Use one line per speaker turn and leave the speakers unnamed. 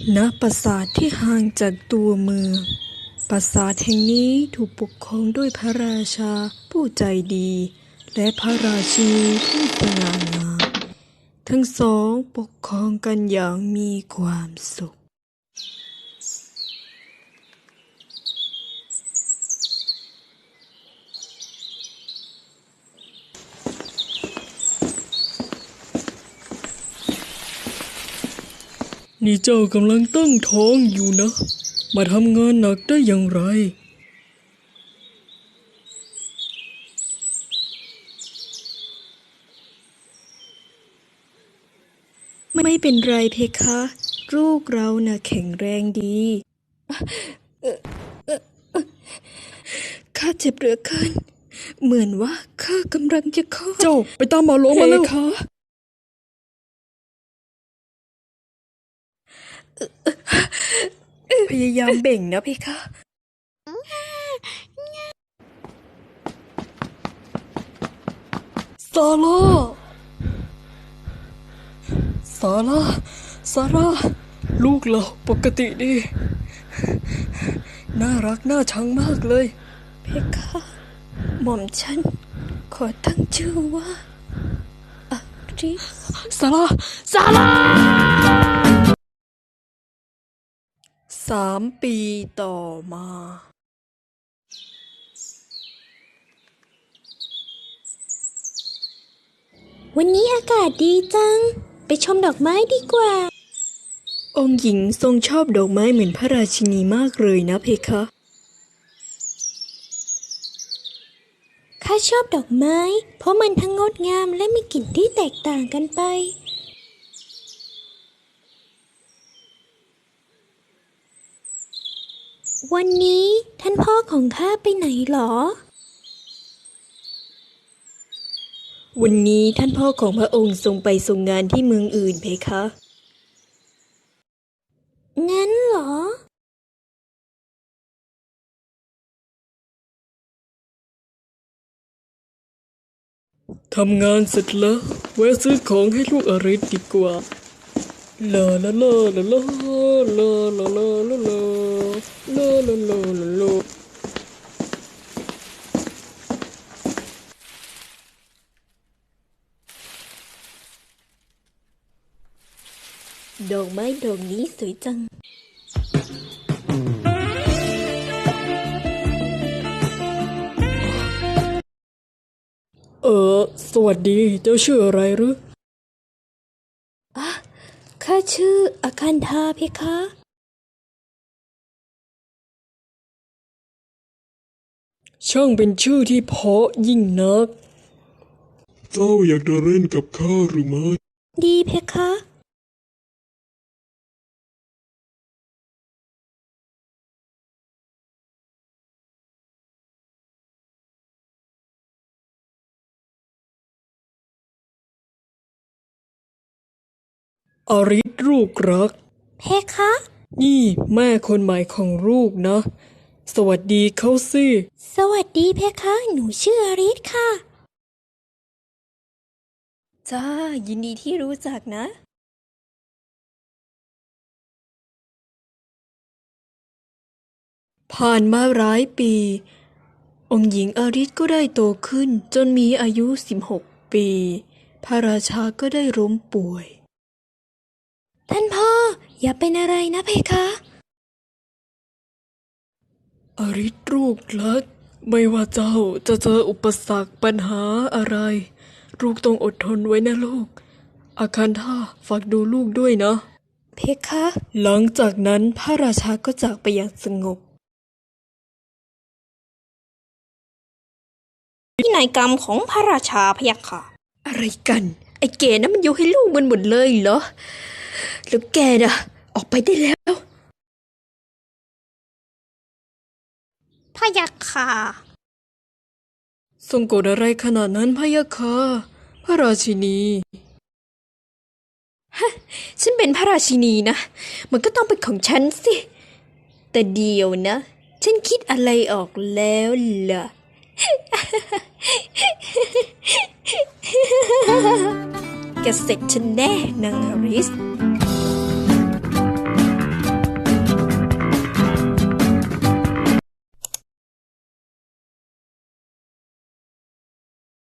ณปราสาทที่ห่างจากตัวเมืองปราสาทแห่งนี้ถูกปกครองด้วยพระราชาผู้ใจดีและพระราชินีผู้สง่างามทั้งสองปกครองกันอย่างมีความสุขนี่เจ้ากำลังตั้งท้องอยู่นะมาทำงานหนักได้อย่างไรไม่เป็นไรเพคะลูกเราน่ะแข็งแรงดีข้าเจ็บเหลือเกินเหมือนว่าข้ากำลังจะคลอดเจ้าไปตามหมอหลวงมาแล้วค่ะพยายามเบ่งนะเพคะซาร่าลูกเราปกติดีน่ารักน่าชังมากเลยเพคะหม่อมฉันขอตั้งชื่อว่าอาริสซาร่า3 ปีต่อมา
วันนี้อากาศดีจังไปชมดอกไม้ดีกว่า
องค์หญิงทรงชอบดอกไม้เหมือนพระราชินีมากเลยนะเพคะ
ข้าชอบดอกไม้เพราะมันทั้งงดงามและมีกลิ่นที่แตกต่างกันไปวันนี้ท่านพ่อของข้าไปไหนหรอ
วันนี้ท่านพ่อของพระองค์ทรงไปทรงงานที่เมืองอื่นเพคะ
งั้นเหรอ
ทำงานเสร็จแล้วแวะซื้อของให้ลูกอริสดีกว่าลาลาลาลาลาลาลาลาลาลาลาลาลาลา
ดอกไม้ดอกนี้สวยจัง
สวัสดีเจ้าชื่ออะไรหรือ
ข้าชื่ออาคันธาเพคะ
ช่างเป็นชื่อที่เพราะยิ่งนัก
เจ้าอยากจะเล่นกับข้าหรือไม่
ดีเพคะ
อริสลูกรัก
เพคะ
นี่แม่คนใหม่ของลูกนะสวัสดีเขาสิ
สวัสดีเพคะหนูชื่ออาริสค่ะ
จ้ายินดีที่รู้จักนะผ่านมาหลายปีองค์หญิงอาริสก็ได้โตขึ้นจนมีอายุ16 ปีพระราชาก็ได้ล้มป่วย
ท่านพ่ออย่าเป็นอะไรนะเพคะ
อาริสลูกรักไม่ว่าเจ้าจะเจออุปสรรคปัญหาอะไรลูกต้องอดทนไว้นะลูกอาคันธาฝากดูลูกด้วยนะ
เพคะ
หลังจากนั้นพระราชาก็จากไปอย่างสงบ
พินัยกรรมของพระราชาพะยะค่ะ
อะไรกันไอ้แกนะมันยกให้ลูกมันหมดเลยเหรอแล้วแกน่ะออกไปได้แล้ว
พะยะค่ะ
ทรงโกรธอะไรขนาดนั้นพะยะค่ะพระราชินีฉันเป็นพระราชินีนะมันก็ต้องเป็นของฉันสิแต่เดี๋ยวนะฉันคิดอะไรออกแล้วล่ะแกเสร็จฉันแน่นางอาริส